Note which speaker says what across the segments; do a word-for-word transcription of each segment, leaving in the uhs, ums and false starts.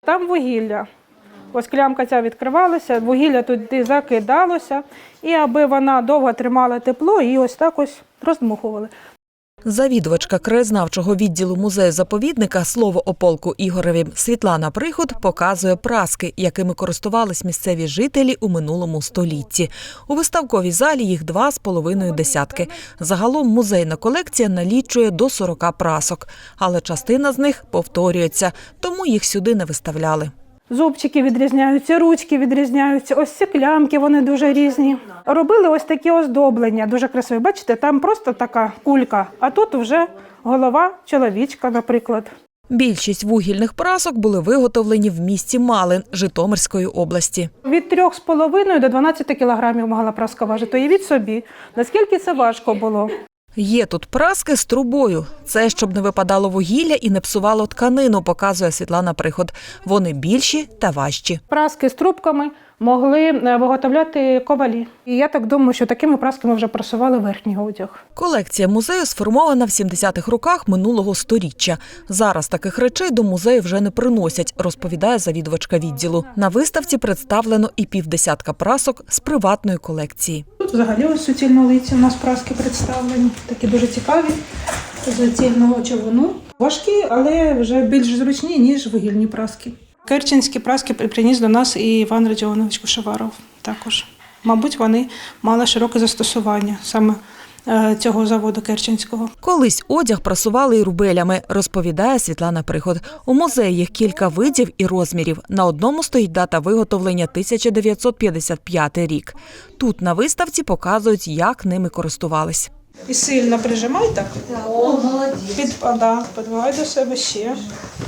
Speaker 1: Там вугілля. Ось клямка ця відкривалася, вугілля туди закидалося, і аби вона довго тримала тепло, її ось так ось роздмухували.
Speaker 2: Завідувачка краєзнавчого відділу музею-заповідника «Слово о полку Ігореві» Світлана Приход показує праски, якими користувались місцеві жителі у минулому столітті. У виставковій залі їх два з половиною десятки. Загалом музейна колекція налічує до сорока прасок, але частина з них повторюється, тому їх сюди не виставляли.
Speaker 1: Зубчики відрізняються, ручки відрізняються, ось ці клямки, вони дуже різні. Робили ось такі оздоблення, дуже красиві. Бачите, там просто така кулька, а тут вже голова чоловічка, наприклад.
Speaker 2: Більшість вугільних прасок були виготовлені в місті Малин Житомирської області.
Speaker 1: Від трьох з половиною до дванадцяти кілограмів могла праска важити. Уявіть собі, наскільки це важко було.
Speaker 2: Є тут праски з трубою. Це, щоб не випадало вугілля і не псувало тканину, показує Світлана Приход. Вони більші та важчі.
Speaker 1: Праски з трубками могли виготовляти ковалі. І я так думаю, що такими прасками вже прасували верхній одяг.
Speaker 2: Колекція музею сформована в сімдесятих роках минулого сторіччя. Зараз таких речей до музею вже не приносять, розповідає завідувачка відділу. На виставці представлено і півдесятка прасок з приватної колекції.
Speaker 1: Тут взагалі ось суцільнолиці у нас праски представлені, такі дуже цікаві, з цільного човуну. Важкі, але вже більш зручні, ніж вугільні праски. Керченські праски приніс до нас і Іван Радіонович Кушеваров також. Мабуть, вони мали широке застосування саме цього заводу керченського.
Speaker 2: Колись одяг прасували і рубелями, розповідає Світлана Приход. У музеї їх кілька видів і розмірів. На одному стоїть дата виготовлення тисяча дев'ятсот п'ятдесят п'ятий рік. Тут на виставці показують, як ними користувались.
Speaker 1: І сильно прижимай так. О, молодець. Підпада, підбивай до себе ще.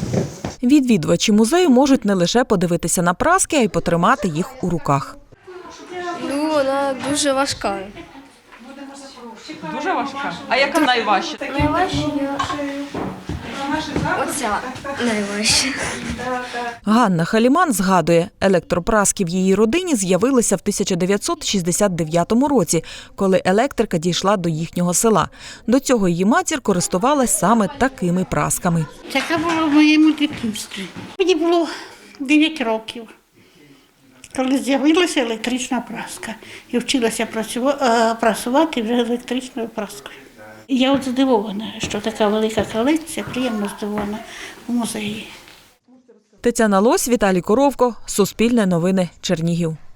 Speaker 2: Відвідувачі музею можуть не лише подивитися на праски, а й потримати їх у руках.
Speaker 3: Ну, вона дуже важка.
Speaker 4: Дуже важка? А яка найважча?
Speaker 3: Найважча оця найважча.
Speaker 2: Ганна Халіман згадує, електропраски в її родині з'явилися в тисяча дев'ятсот шістдесят дев'ятому році, коли електрика дійшла до їхнього села. До цього її матір користувалась саме такими прасками.
Speaker 5: Така була в моєму дитинстві. Мені було дев'ять років, коли з'явилася електрична праска. І вчилася прасувати вже електричною праскою. І я от здивована, що така велика колекція, приємно здивована у музеї.
Speaker 2: Тетяна Лось, Віталій Коровко, Суспільне новини, Чернігів.